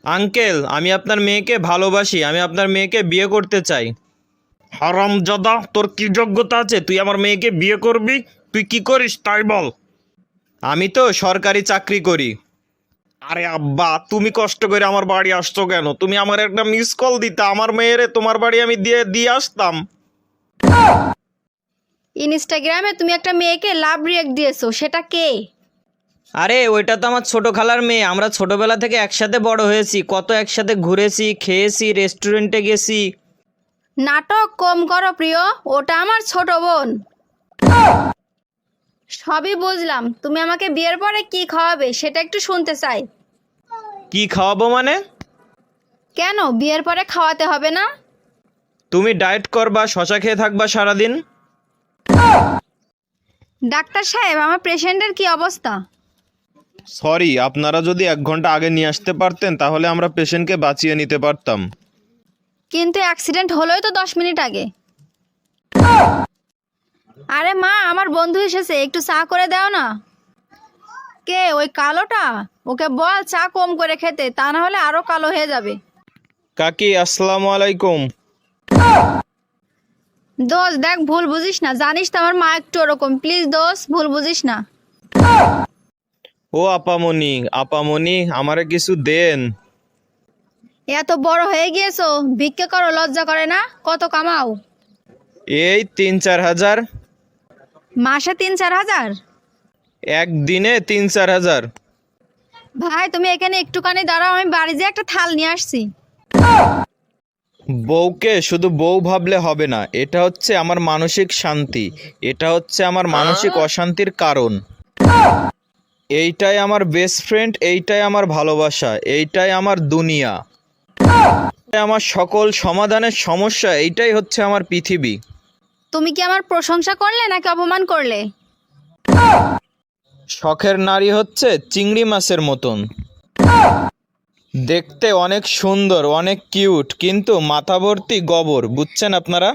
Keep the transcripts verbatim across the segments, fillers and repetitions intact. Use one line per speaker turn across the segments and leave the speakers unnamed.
Uncle, আমি আপনার মেয়েকে ভালোবাসি, আমি আপনার মেয়েকে বিয়ে করতে চাই। হারামজাদা, তোর কি যোগ্যতা আছে তুই আমার মেয়েকে বিয়ে করবি? তুই কি করিস তাই বল। আমি তো সরকারি চাকরি করি। আরে আব্বা, তুমি কষ্ট করে আমার বাড়ি আসছো কেন? তুমি আমার একটা মিস কল দিতে, আমার মেয়েরে তোমার বাড়ি আমি দিয়ে দিয়ে আসতাম।
ইনস্টাগ্রামে তুমি একটা মেয়েকে লাভ রিয়েক্ট দিয়েছো, সেটা কে?
আরে ওইটা তো আমার ছোট খালার মেয়ে, আমরা ছোটবেলা থেকে একসাথে বড় হয়েছি, কত একসাথে ঘুরেছি, খেয়েছি, রেস্টুরেন্টে গেছি।
নাটক কম করো প্রিয়, ওটা আমার ছোট বোন। সবই বুঝলাম, তুমি আমাকে বিয়ের পরে কি খাওয়াবে সেটা একটু শুনতে চাই।
কি খাওয়াবো মানে?
কেন বিয়ের পরে খাওয়াতে হবে না?
তুমি ডায়েট করবা, শশা খেয়ে থাকবা সারাদিন।
ডাক্তার সাহেব, আমার পেশেন্টের কি অবস্থা?
সরি, আপনারা যদি এক ঘন্টা আগে নিয়ে আসতে পারতেন তাহলে আমরা পেশেন্টকে বাঁচিয়ে নিতে পারতাম।
কিন্তু অ্যাক্সিডেন্ট হলোই তো দশ মিনিট আগে। আরে মা, আমার বন্ধু এসেছে, একটু চা করে দাও না। কে ওই কালোটা? ওকে বল চা কম করে খেতে, তা না হলে আরো কালো হয়ে যাবে।
কাকি, আসসালামু আলাইকুম।
দোষ দেখ, ভুল বুঝিস না, জানিস তো আমার মা একটু ওরকম, প্লিজ দোষ ভুল বুঝিস না।
ও আপামনি, আপামনি, আমারে কিছু দেন।
এত বড় হয়ে গিয়েছো, ভিক্ষা করো, লজ্জা করে না? কত কামাও?
এই তিন চার হাজার।
মাসে তিন চার হাজার?
একদিনে তিন চার হাজার।
ভাই তুমি এখানে একটুখানি দাঁড়াও, আমি বাড়ি যেয়ে একটা থাল নিয়ে আসছি।
বউকে শুধু বউ ভাবলে হবে না, এটা হচ্ছে আমার মানসিক শান্তি, এটা হচ্ছে আমার মানসিক অশান্তির কারণ। এইটাই আমার বেস্ট ফ্রেন্ড, এইটাই আমার ভালোবাসা, এইটাই আমার দুনিয়া, এইটাই আমার সকল সমাধানের সমস্যা, এইটাই হচ্ছে আমার পৃথিবী।
তুমি কি আমার প্রশংসা করলে নাকি অপমান করলে?
শখের নারী হচ্ছে চিংড়ি মাছের মতন, দেখতে অনেক সুন্দর, অনেক কিউট, কিন্তু মাথা ভর্তি গোবর, বুঝছেন আপনারা?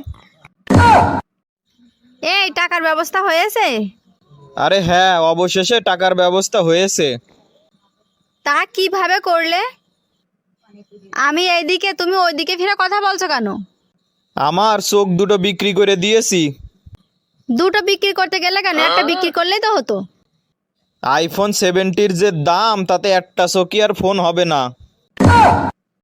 এই টাকার ব্যবস্থা হয়েছে?
আরে হ্যাঁ, অবশেষে টাকার ব্যবস্থা হয়েছে।
তা কিভাবে করলে? আমি এইদিকে, তুমি ওইদিকে ফিরে কথা বলছো কেন?
আমার চোখ দুটো বিক্রি করে দিয়েছি।
দুটো বিক্রি করতে গেলে কেন, একটা বিক্রি করলেই তো হতো।
আইফোন সেভেন্টির যে দাম, তাতে একটা চোখই আর ফোন হবে না।